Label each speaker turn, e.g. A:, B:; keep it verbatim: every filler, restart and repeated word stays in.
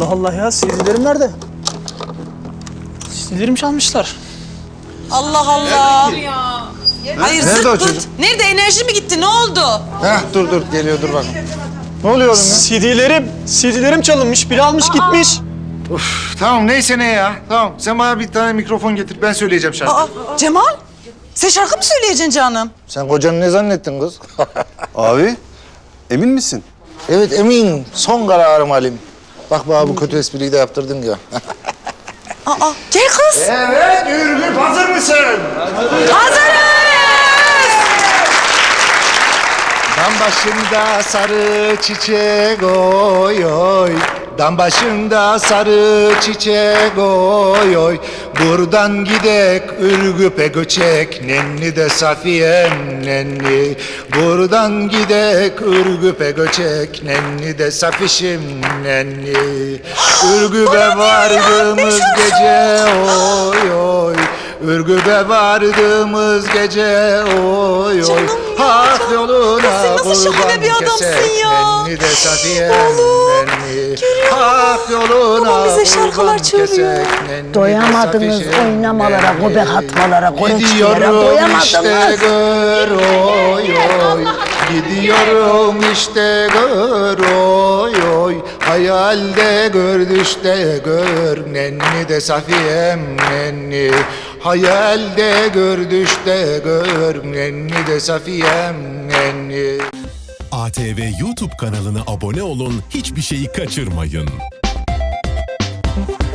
A: Allah Allah ya, C D'lerim nerede? C D'lerimi çalmışlar.
B: Allah Allah. Hayır,
C: Nerede
B: zırt
C: o
B: pırt.
C: çocuk?
B: Nerede? Enerji mi gitti? Ne oldu?
C: Heh, dur dur geliyor dur bak. Ne oluyor oğlum ya?
A: C D'lerim, C D'lerim çalınmış. Biri almış gitmiş.
C: Uf, tamam neyse ne ya. Tamam sen bana bir tane mikrofon getir ben söyleyeceğim şarkı.
B: Aa, Cemal, sen şarkı mı söyleyeceksin canım?
C: Sen kocanı ne zannettin kız?
D: Abi, emin misin?
C: Evet emin. Son kararım Halim. Bak bana bu kötü espriyi de yaptırdın ya.
B: Aa, gel kız.
C: Evet Ürgüp hazır mısın?
B: Hazırız.
C: Dam başında sarı çiçek oy oy. Dam başında sarı çiçek oy oy. Buradan gidek Ürgüp'e göçek. Nenni de Safiye'm nenni. Buradan gidek Ürgüp'e göçek. Nenni de Safişim nenni. Ürgüp'e vardığımız gece oy oy. Ürgüp'e vardığımız gece oy oy. Hak yoluna
B: Kız sen nasıl şahane bir adamsın ya.
C: Nenni de Safiye'm
B: Oğlum,
C: nenni.
B: görüyor
C: Hak yoluna
B: Babam bize şarkılar
C: kurban
B: söylüyor.
C: kesek, nenni de
E: Doyamadınız
C: Safişim
E: oynamalara,
C: nenni.
E: göbek atmalara, koreçlere
C: Gidiyorum işte
E: doyamadınız.
C: gör oy oy. Gidiyorum işte gör oy oy. Hayalde gör düşte gör. Nenni de Safiye'm nenni. Hayalde gör düşte gör. Nenni de Safiye'm nenni.
F: A T V YouTube kanalına abone olun, hiçbir şeyi kaçırmayın.